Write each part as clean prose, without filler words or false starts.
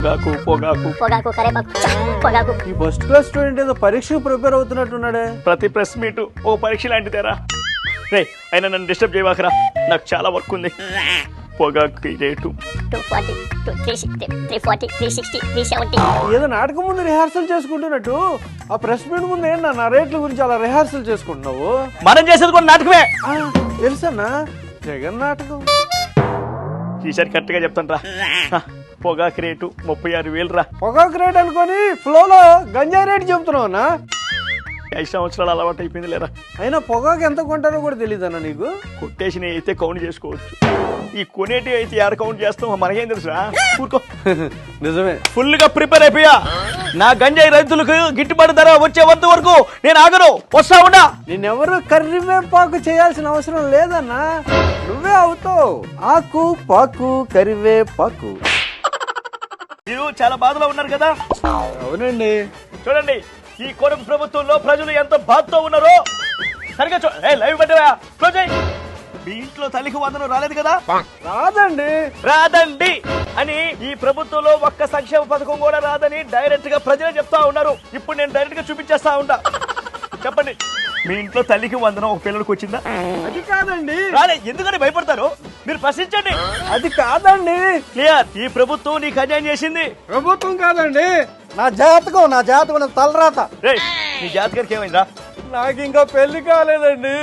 పొగాకు పొగాకు పొగాకు కరేపాకు పొగాకు. ఈ ఫస్ట్ క్లాస్ స్టూడెంట్ ఏదో పరీక్షకు ప్రిపేర్ అవుతున్నట్టున్నాడే. ప్రతి ప్రెస్ మీట్ ఓ పరీక్ష లాంటిదేరా. రే అయినా నన్ను డిస్టర్బ్ చేయవాకరా, నాకు చాలా వర్క్ ఉంది. పొగాకు రేటు 240 360 340 360 370. ఏదో నాటకం ముందు రిహార్సల్ చేసుకుంటున్నట్టు ఆ ప్రెస్ మీట్ ముందు ఏంటన్నా నా రేట్ల గురించి అలా రిహార్సల్ చేసుకుంటున్నావు? మనం చేసేది కూడా నాటకమే. తెలుసన్నా, జగన్ నాటకం. ఈసారి కరెక్ట్ గా చెప్తాను రా. పొగాకు రేటు 36,000 రా. పొగాకు రేట్ అనుకొని ఫ్లోలో గంజాయి రేట్ చెబుతున్నావు అన్నా. 5 సంవత్సరాలు అలవాటు అయిపోయింది లేరా. అయినా పొగాకు ఎంత కొంటారో కూడా తెలియదన్నా నీకు? కొట్టేసినవి అయితే కౌంట్ చేసుకోవచ్చు, ఈ కొనేటి అయితే యాడ కౌంట్ చేస్తాం మనకేం తెలుసురా. ఊరుకో. నిజమే. ఫుల్ గా ప్రిపేర్ అయిపోయా. నా గంజాయి రైతులకు గిట్టుబాటు ధర వచ్చే వరకు నేను ఆగను, వస్తా ఉన్నా. నేనెవరు కరివేపాకు చేయాల్సిన అవసరం లేదన్నా, నువ్వే అవుతావు. ఆకు పాకు కరివేపాకు. మీరు చాలా బాధలో ఉన్నారు కదా. అవునండి. చూడండి ఈ కొడుకు ప్రభుత్వంలో ప్రజలు ఎంత బాధతో ఉన్నారో సరిగా లైవ్ పెట్టవా క్లోజ్ అయ్యి. మీ ఇంట్లో తల్లికి వందనం రాలేదు కదా. రాదండి రాదండి అని ఈ ప్రభుత్వంలో ఒక్క సంక్షేమ పథకం కూడా రాదని డైరెక్ట్ గా ప్రజలే చెప్తా ఉన్నారు. ఇప్పుడు నేను డైరెక్ట్ గా చూపించేస్తా ఉంటా. చెప్పండి, మీ ఇంట్లో తల్లికి వందనం ఒక పిల్లడికి వచ్చిందా? అది కాదండి. రాలే. ఎందుకని భయపడతారు? మీరు ప్రశ్నించండి. అది కాదండి. క్లియర్. ఈ ప్రభుత్వం నీకు అన్యాయం చేసింది. ప్రభుత్వం కాదండి, నా జాతకం తలరాత. రేయ్, నీ జాతకానికి ఏమైందా? నాకు ఇంకా పెళ్లి కాలేదండి.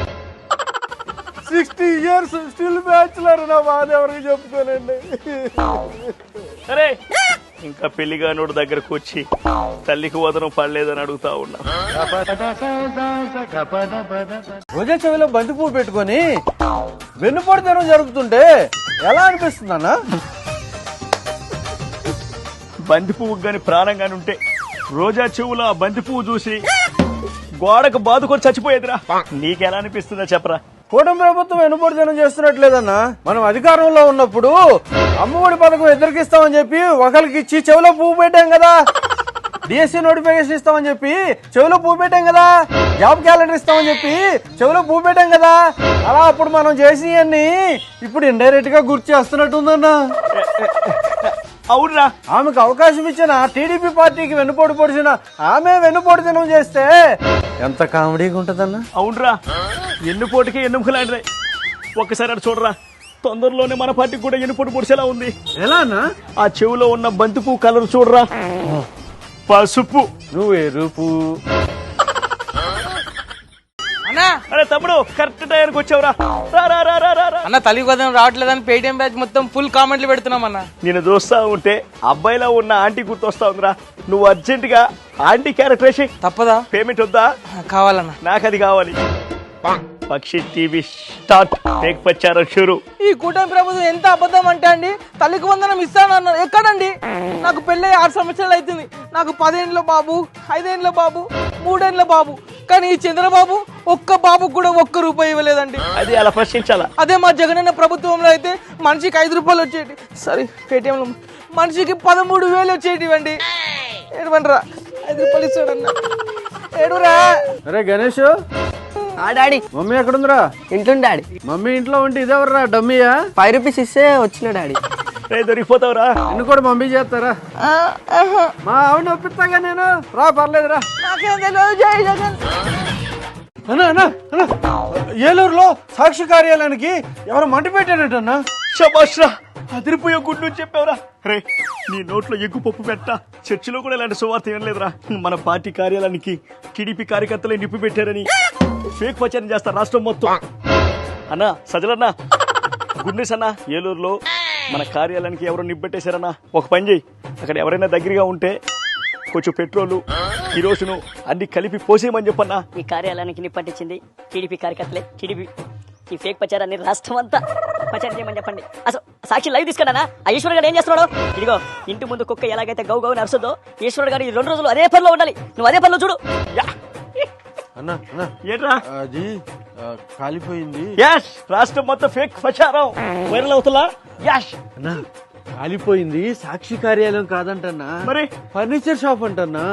60 years స్టిల్ బ్యాచులర్. నా బాధ ఎవరికి చెప్పుకోనండి. సరే, ఇంకా పెళ్లిగా నోడు దగ్గరకు వచ్చి తల్లికి వదనం పడలేదని అడుగుతా ఉన్నా. రోజా చెవిలో బంతి పువ్వు పెట్టుకొని వెన్నుపడితనం జరుగుతుంటే ఎలా అనిపిస్తుంది అన్న? బంతి పువ్వు గాని ప్రాణం గాని ఉంటే రోజా చెవులో ఆ బంతి పువ్వు చూసి గోడకు బాదుకొని చచ్చిపోయేదిరా. నీకెలా అనిపిస్తుందా చెప్పరా? కూటమి ప్రభుత్వం వెనుపడితనం చేస్తున్నట్లేదన్నా. మనం అధికారంలో ఉన్నప్పుడు అమ్మఒడి పథకం ఎదురుకిస్తామని చెప్పి ఒకరికి ఇచ్చి చెవిలో పువ్వు పెట్టాం కదా. డిఎస్సీ నోటిఫికేషన్ ఇస్తామని చెప్పి చెవిలో పువ్వు పెట్టాం కదా. జాబ్ క్యాలెండర్ ఇస్తామని చెప్పి చెవిలో పువ్వు పెట్టాం కదా. అలా అప్పుడు మనం చేసినవన్నీ ఇప్పుడు ఇండైరెక్ట్ గా గుర్తు చేస్తున్నట్టుందన్నా. అవునరా. ఆమెకు అవకాశం ఇచ్చిన టీడీపీ పార్టీకి వెన్నుపోటు పొడిచిన ఆమె వెన్నుపోటుతనం చేస్తే ఎంత కామెడీగా ఉంటదన్నా. అవునరా, ఎన్నుపోటుకి ఎన్నుముకలాంటిదే. ఒక్కసారి అటు చూడరా, తొందరలోనే మన పార్టీకి కూడా ఎన్నుపోటు పొడిచేలా ఉంది. ఎలా అన్నా? ఆ చెవులో ఉన్న బంతి పువ్వు కలర్ చూడరా, పసుపు. నువ్వు ఎరుపు. అరే తమ్ముడు, కరెక్ట్ టైంకి వచ్చావురా. అన్న తల్లి వదనం రావట్లేదని పేటిఎం బ్యాచ్ మొత్తం ఫుల్ కామెంట్లు పెడుతున్నాం అన్న. నేను చూస్తా ఉంటే అబ్బాయిలో ఉన్న ఆంటీ గుర్తొస్తా ఉందిరా. నువ్వు అర్జెంట్ గా ఆంటీ క్యారెక్టర్ వేసి. తప్పదా? పేమెంట్ వద్దా? కావాలన్న. నాకు అది కావాలి. పక్షి టీవీ స్టార్ట్. టేక్ ప్రచారం షురు. ఈ కూటమి ప్రభుత్వం ఎంత అబద్ధం అంటే అండి, తల్లికి వందనం ఇస్తానన్నారు. ఎక్కడండి? నాకు పెళ్ళి 6 సంవత్సరాలు అవుతుంది. నాకు 10 ఏళ్ళ బాబు, 5 ఏళ్ళ బాబు, 3 ఏళ్ళ బాబు. కానీ ఈ చంద్రబాబు ఒక్క బాబుకు కూడా ₹1 ఇవ్వలేదండి. అది అలా ప్రశ్నించాలా? అదే మా జగనన్న ప్రభుత్వంలో అయితే మనిషికి ₹5 వచ్చేటి. సారీ, పేటిఎంలో మనిషికి 13,000 వచ్చేటివండి. ఏడవండిరా, ₹5 ఇస్తాడన్న. ఏడురా. అరే గణేష్, డాడీ మమ్మీ ఎక్కడుందిరా? ఇంట్లో డాడీ. మమ్మీ ఇంట్లో ఉంటే ఇదేవర్రా డమ్మీయా? ₹5 ఇస్తే వచ్చిన డాడీ. దొరికిపోతావురా. నిన్ను కూడా మమ్మీ చేస్తారా? మా ఆవిడ ఒప్పిస్తాగా నేను. రా, పర్లేదురా. నాకేం తెలియదు. జై జగన్. అన్నా ఏలూరులో సాక్షి కార్యాలయానికి ఎవరు మంట పెట్టారటన్నా? శబాష్రా, అదిరిపోయే గుడ్డు చెప్పావురా. రే, నీ నోట్లో ఎగ్గు పప్పు పెట్ట. చర్చిలో కూడా ఇలాంటి సువార్త ఏం లేదురా. మన పార్టీ కార్యాలయానికి టీడీపీ కార్యకర్తలే నిప్పు పెట్టారని ఫేక్ ప్రచారం చేస్తారు రాష్ట్రం మొత్తం. అన్నా సజలన్నా, గుడ్ న్యూస్ అన్నా. ఏలూరులో మన కార్యాలయానికి ఎవరో నిప్పెట్టేశారన్నా. ఒక పని చేయి, అక్కడ ఎవరైనా దగ్గరగా ఉంటే కొంచెం పెట్రోలు, కిరోసిను అన్ని కలిపి పోసేయమని చెప్పన్నా. ఈ కార్యాలయానికి నిప్పట్టించింది టీడీపీ కార్యకర్తలే. టీడీపీ ఈ ఫేక్ ప్రచారాన్ని రాష్ట్రం అంతా ప్రచారం చేయమని చెప్పండి. అసలు సాక్షి లైవ్ తీసుకున్నానా? ఆ ఈశ్వర్ గారు ఏం చేస్తున్నాడు? ఇదిగో ఇంటి ముందు కుక్క ఎలాగైతే గౌ గౌ నడుస్తుందో, ఈశ్వర్ గారు ఈ 2 రోజులు అదే పనిలో ఉండాలి. నువ్వు అదే పనిలో చూడు. అన్నా ఏంట్రా అది కాలిపోయింది. యాష్, రాష్ట్రం మొత్తం ఫేక్ ప్రచారం వైరల్ అవుతుందా? యాష్ అన్నా కాలిపోయింది. సాక్షి కార్యాలయం కాదంటన్నా, మరి ఫర్నిచర్ షాప్ అంటన్నా.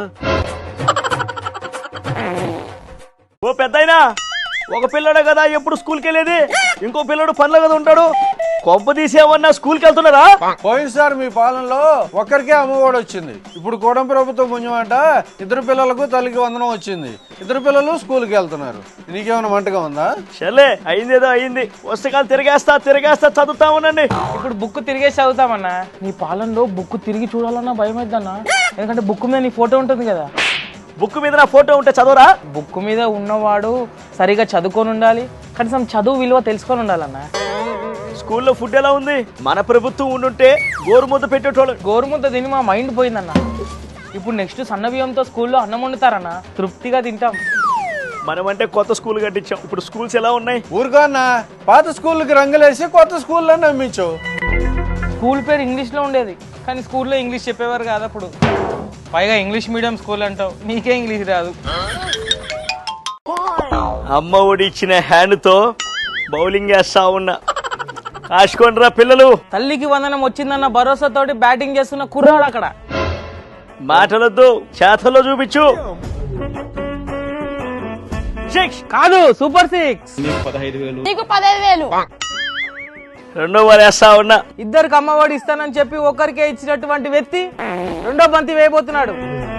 ఓ పెద్దయినా, ఒక పిల్లడే కదా ఎప్పుడు స్కూల్కి వెళ్ళేది, ఇంకో పిల్లడు పనిలో కదా ఉంటాడు. కొంప తీసేమన్నా స్కూల్కి వెళ్తున్నారా? పోయినసారి మీ పాలనలో ఒక్కరికే అమ్మఒడి వచ్చింది. ఇప్పుడు కూటమి ప్రభుత్వం పుణ్యమంట 2 పిల్లలకు తల్లికి వందనం వచ్చింది. 2 పిల్లలు స్కూల్కి వెళ్తున్నారు. నీకేమైనా మంటగా ఉందా? సర్లే, అయిందేదో అయింది. పుస్తకాలు తిరిగేస్తా చదువుతా ఉండండి. ఇప్పుడు బుక్ తిరిగేసి చదువుతామన్నా. నీ పాలనలో బుక్ తిరిగి చూడాలన్నా భయం అవుతుందన్నా. ఎందుకంటే బుక్ మీద నీ ఫోటో ఉంటుంది కదా. బుక్ మీద నా ఫోటో ఉంటే చదవరా? బుక్ మీద ఉన్నవాడు సరిగా చదువుకొని ఉండాలి, కనీసం చదువు విలువ తెలుసుకొని ఉండాలన్నా. స్కూల్లో ఫుడ్ ఎలా ఉంది? మన ప్రభుత్వం ఉండుంటే గోరుముద్ద పెట్టేటోళ్ళు. గోరుముద్ద తిని మా మైండ్ పోయిందన్న. ఇప్పుడు నెక్స్ట్ సన్న బియ్యంతో స్కూల్లో అన్నం వండుతారన్న, తృప్తిగా తింటాం. మనమంటే కొత్త స్కూల్ కట్టించాం. ఇప్పుడు స్కూల్స్ ఎలా ఉన్నాయి? ఊరుగానా పాత స్కూళ్ళకి రంగులేసి కొత్త స్కూల్లో నమ్మించు. స్కూల్ పేరు ఇంగ్లీష్లో ఉండేది, కానీ స్కూల్లో ఇంగ్లీష్ చెప్పేవారు కాదు అప్పుడు. పైగా ఇంగ్లీష్ మీడియం స్కూల్ అంటావు, నీకే ఇంగ్లీష్ రాదు. అమ్మ ఒడి ఇచ్చిన హ్యాండ్తో బౌలింగ్ వేస్తా ఉన్నా. కాసుకోండిరా పిల్లలు. తల్లికి వందనం వచ్చిందన్న భరోసాతోటి బ్యాటింగ్ చేస్తున్న కుర్రాడు అక్కడ. మాటలొద్దు, చేతల్లో చూపించు. కాదు, సూపర్ 6. నీకు 15,000. రెండో వారు వేస్తా ఉన్నా. ఇద్దరికి అమ్మఒడి ఇస్తానని చెప్పి ఒకరికే ఇచ్చినటువంటి వ్యక్తి రెండో బంతి వేయబోతున్నాడు.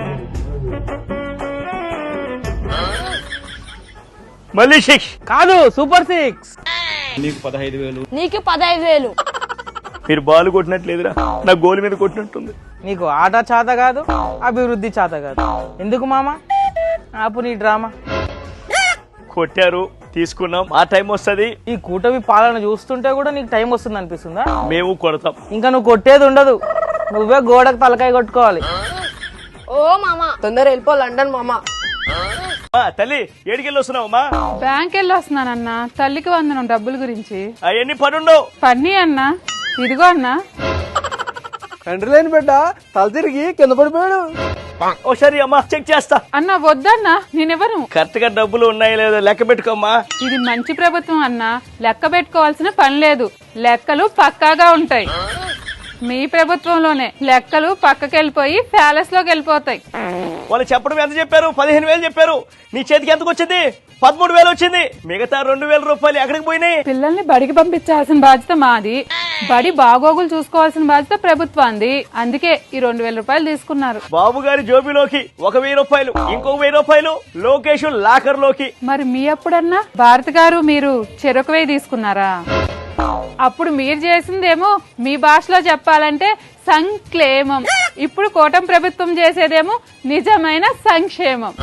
మళ్ళీ 6. కాదు, సూపర్ 6. నీకు 15,000. మీరు బాల్ కొట్టినట్లేదురా, నా గోల్ మీద కొట్టినట్టుంది. నీకు ఆట చేత కాదు, అభివృద్ధి చేత కాదు. ఎందుకు మామ ఆపు నీ డ్రామా. కొట్టారు, తీసుకున్నాం. ఆ టైం వస్తుంది. ఈ కూటమి పాలన చూస్తుంటే కూడా నీకు టైం వస్తుంది అనిపిస్తుందా? మేము కొడతాం. ఇంకా నువ్వు కొట్టేది ఉండదు, నువ్వే గోడకు తలకాయ కొట్టుకోవాలి. ఓ మామా, తొందర వెళ్ళిపో లండన్ మామ. తల్లి ఏడికెళ్ళి వస్తున్నావు అమ్మా? బ్యాంక్ వెళ్ళి వస్తున్నానన్నా, తల్లికి వందనం డబ్బుల గురించి. అవన్నీ పనుండవు. పన్నీ అన్నా, ఇదిగో అన్నా. తండ్రి లేని బిడ్డ తల తిరిగి కింద పడిపోయాడు. ఒకసారి అమ్మా చెక్ చేస్తా. అన్నా వద్దన్నా, నేనెవరు? కరెక్ట్ గా డబ్బులు ఉన్నాయో లేదో లెక్క పెట్టుకోమ్మా. ఇది మంచి ప్రభుత్వం అన్నా, లెక్క పెట్టుకోవాల్సిన పని లేదు. లెక్కలు పక్కాగా ఉంటాయి. మీ ప్రభుత్వంలోనే లెక్కలు పక్కకెళ్ళిపోయి ప్యాలెస్ లోకి వెళ్ళిపోతాయి. వాళ్ళు చెప్పడం ఎంత చెప్పారు? 15,000 చెప్పారు. నీ చేతికి ఎంతకు వచ్చింది? 13,000 వచ్చింది. మిగతా 2,000 రూపాయలు ఎక్కడికి పోయినాయి? పిల్లల్ని బడికి పంపించాల్సిన బాధ్యత మాది, బడి బాగోగులు చూసుకోవాల్సిన బాధ్యత ప్రభుత్వాన్ని. అందుకే ఈ 2,000 రూపాయలు తీసుకున్నారు. బాబు గారి జోబిలోకి 1,000 రూపాయలు, ఇంకొక 1,000 రూపాయలు లోకేష్ లాకర్ లోకి. మరి మీ అప్పుడన్నా భారత్ గారు మీరు చెరొక 1,000 తీసుకున్నారా? అప్పుడు మీరు చేసిందేమో మీ భాషలో చెప్పాలంటే సంక్షేమం. ఇప్పుడు కూటమి ప్రభుత్వం చేసేదేమో నిజమైన సంక్షేమం.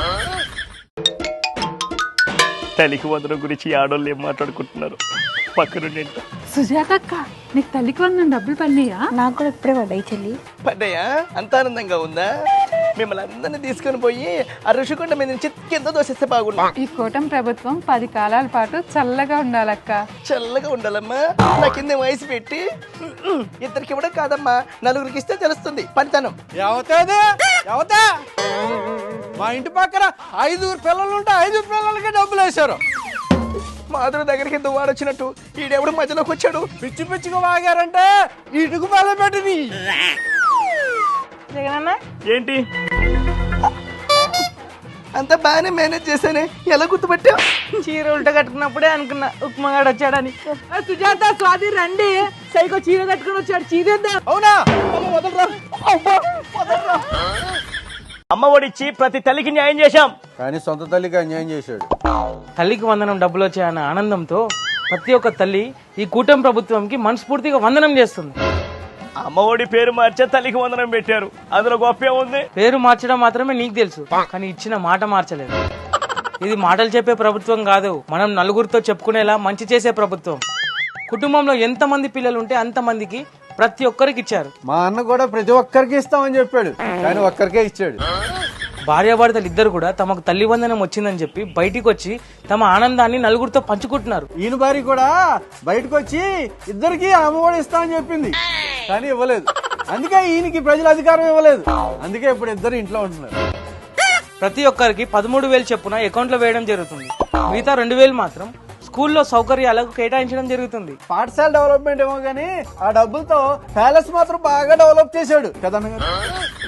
తల్లికి వందనం గురించి ఆడోళ్ళు ఏం మాట్లాడుకుంటున్నారు పక్కనుండి. సుజాత అక్క, నీకు తల్లికి వందనం డబ్బులు పడినాయా? నాకు కూడా ఇప్పుడే పడ్డాయి చెల్లి. పడ్డాయా? అంత ఆనందంగా ఉందా? మిమ్మల్ని అందరినీ తీసుకొని పోయి ఆ ఋషికొండ మీద నుంచి కింద దోసేస్తే బాగుండు. ఈ కూటమి ప్రభుత్వం 10 కాలాల పాటు చల్లగా ఉండాలక్క. చల్లగా ఉండాలమ్మా. నా కింద వయసు పెట్టి ఇద్దరికి ఇవ్వడం కాదమ్మా, 4గురికి ఇస్తే తెలుస్తుంది పనితనం. ఎవతా మా ఇంటి పక్కన 5 పిల్లలు ఉంటే 5 పిల్లలకి డబ్బులు వేశారు. మాధురి దగ్గరికి దువ్వాడొచ్చినట్టు ఈడెవడు మధ్యలోకి వచ్చాడు. పిచ్చి పిచ్చిగా వాగారంటే ఇటుకు పళ్ళ పెట్టింది. జగనన్న ఏంటి అంత బాగానే మేనేజ్ చేశానే, ఎలా గుర్తుపట్టా? చీర ఉల్ట కట్టుకున్నప్పుడే అనుకున్నా ఉప్మాగాడు వచ్చాడని. సుజాత, స్వాతి రండి, సైకో చీర కట్టుకుని వచ్చాడు. చీరేద్దా? అవునా? అమ్మ ఒడిచ్చి ప్రతి తల్లికి న్యాయం చేశాం, కానీ సొంత తల్లికి అన్యాయం చేశాడు. తల్లికి వందనం డబ్బులు వచ్చాయన్న ఆనందంతో ప్రతి ఒక్క తల్లి ఈ కూటమి ప్రభుత్వంకి మనస్ఫూర్తిగా వందనం చేస్తుంది. అమ్మ ఒడి పేరు మార్చే తల్లికి వందనం పెట్టారు, అందులో గొప్ప ఉంది. పేరు మార్చడం మాత్రమే నీకు తెలుసు, కానీ ఇచ్చిన మాట మార్చలేదు. ఇది మాటలు చెప్పే ప్రభుత్వం కాదు, మనం నలుగురితో చెప్పుకునేలా మంచి చేసే ప్రభుత్వం. కుటుంబంలో ఎంతమంది పిల్లలు ఉంటే అంతమందికి ప్రతి ఒక్కరికి ఇచ్చారు. మా అన్న కూడా ప్రతి ఒక్కరికి ఇస్తామని చెప్పాడు, కానీ ఒక్కరికే ఇచ్చాడు. భార్యాభర్తలు ఇద్దరు కూడా తమకు తల్లి వందనం వచ్చిందని చెప్పి బయటికి వచ్చి తమ ఆనందాన్ని నలుగురితో పంచుకుంటున్నారు. ఈయన భార్య కూడా బయటకు వచ్చి ఇద్దరికి అమ్మఒడి ఇస్తామని చెప్పింది, కానీ ఇవ్వలేదు. అందుకే ఈయనకి ప్రజల అధికారం ఇవ్వలేదు, అందుకే ఇప్పుడు ఇద్దరు ఇంట్లో ఉంటున్నారు. ప్రతి ఒక్కరికి 13,000 చొప్పున అకౌంట్ లో వేయడం జరుగుతుంది. మిగతా 2,000 మాత్రం స్కూల్లో సౌకర్యాలకు కేటాయించడం జరుగుతుంది. పాఠశాల డెవలప్మెంట్ ఏమో గానీ ఆ డబ్బులతో ప్యాలెస్ మాత్రం బాగా డెవలప్ చేశాడు కదన్న గారు.